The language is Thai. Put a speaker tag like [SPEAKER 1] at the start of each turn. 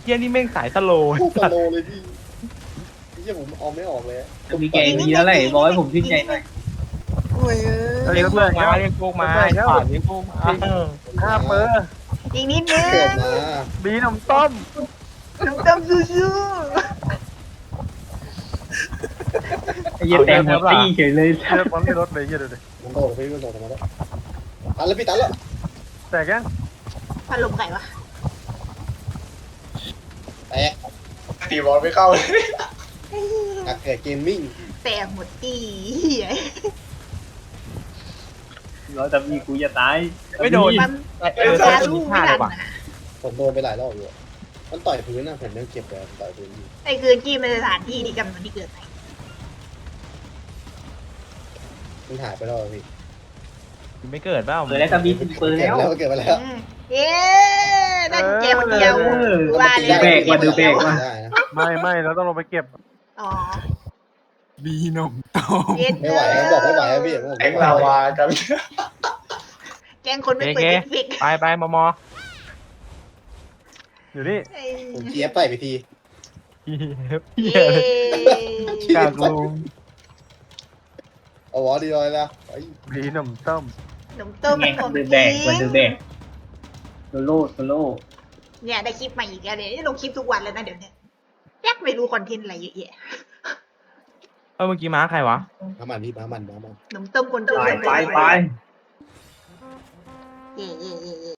[SPEAKER 1] เฮียนี่แม่งสายสโลว์
[SPEAKER 2] โคตรสโลว์เลยพี่เฮียผมเอาไม่ออกเลย
[SPEAKER 3] จะมีแกงเยอะเลยบอกให้ผมขึ้นใจหน่อย
[SPEAKER 2] โอ้ย
[SPEAKER 1] เรียกพวกมาเรียกพวกมาไอ้ป่านเรียกพวกมา
[SPEAKER 4] 5 เปอร์
[SPEAKER 5] อีกนิดนึง
[SPEAKER 2] เกิดมา
[SPEAKER 4] บีนมต้ม
[SPEAKER 5] น้ำต้มซูซู
[SPEAKER 3] ไอ้เหี้ยแตงหมดตี้เฉยเลย
[SPEAKER 4] เชือกมันไม่ลดเลยเหี้ยดูดิ
[SPEAKER 2] มันโดดไปมันโดดมาแล้วตันแล้วพี่ตันแล้ว
[SPEAKER 4] แตกยัง
[SPEAKER 5] พัดลมไก่วะ
[SPEAKER 2] แตก
[SPEAKER 6] ตีบอลไม่เข้าเลย
[SPEAKER 2] นักเกิดเกมมิ่ง
[SPEAKER 5] แต่หมดตีเหี้ย
[SPEAKER 3] เราจะมีกูจะตาย
[SPEAKER 1] ไม่โดน
[SPEAKER 5] มัน
[SPEAKER 1] แต่
[SPEAKER 5] ยา
[SPEAKER 1] ตัว
[SPEAKER 5] ลู
[SPEAKER 1] นี้
[SPEAKER 5] ก
[SPEAKER 1] พลา
[SPEAKER 5] ไม่
[SPEAKER 1] ดเล
[SPEAKER 5] ทั
[SPEAKER 1] ย
[SPEAKER 5] น
[SPEAKER 1] ว่ะ
[SPEAKER 5] นะ
[SPEAKER 2] ผมโดนไปหลายรอบอยู่มันต่อยพื้นนะผมยังเก็บเลยต่อยพื้น
[SPEAKER 5] ไอ้คืนกี้เป็นสถานที่ที่กำหนดที่เกิดไหน
[SPEAKER 2] มันหายไปแล้วพี่
[SPEAKER 1] ไม่เกิดเปล่า
[SPEAKER 3] เปิดแล้วก็มีสิบเปิดแล้ว
[SPEAKER 2] เกิดไปแล้ว
[SPEAKER 5] เอ๊ะนั่นแกคนเดียวว่า
[SPEAKER 3] ดูแบกว่ะดูแบกว่ะ
[SPEAKER 2] ได้นะ
[SPEAKER 4] ไม่เราต้องลงไปเก็บ
[SPEAKER 5] อ๋อ
[SPEAKER 1] บีนมต้ม
[SPEAKER 5] เย็น
[SPEAKER 2] ไม่ไหวเขาบอกไม่ไหวพี่
[SPEAKER 6] แองลาวากัน
[SPEAKER 5] แกงคนไม่เปิดเอฟเฟกต์
[SPEAKER 1] ไปมอ
[SPEAKER 4] อยู่นี่
[SPEAKER 2] ผมเจี๊ยบใส่ไปที
[SPEAKER 1] เฮี
[SPEAKER 5] เย้
[SPEAKER 1] ยกากลุง
[SPEAKER 2] เอาวอดีเลยนะไอ้
[SPEAKER 4] บีนมต้ม
[SPEAKER 5] ขนมต้ม
[SPEAKER 3] ไง
[SPEAKER 5] ของ
[SPEAKER 3] ดู
[SPEAKER 5] จ
[SPEAKER 3] แบ
[SPEAKER 5] ริ
[SPEAKER 3] กว่ะดู
[SPEAKER 5] ง
[SPEAKER 3] แบกโซโล่โซโล่
[SPEAKER 5] เนี่ยได้คลิปใหม่อีกแล้วเนี่ยลงคลิปทุกวันแล้วนะเดี๋ยวนี้แยกไม่รู้คอนเทนต์อะไรเยอะแยะ
[SPEAKER 1] เมื่อกี้ม้าใครวะ
[SPEAKER 2] น้ำมันพี่น้ำมัน
[SPEAKER 5] ขนมต้มคนจน
[SPEAKER 3] ไป
[SPEAKER 5] เย่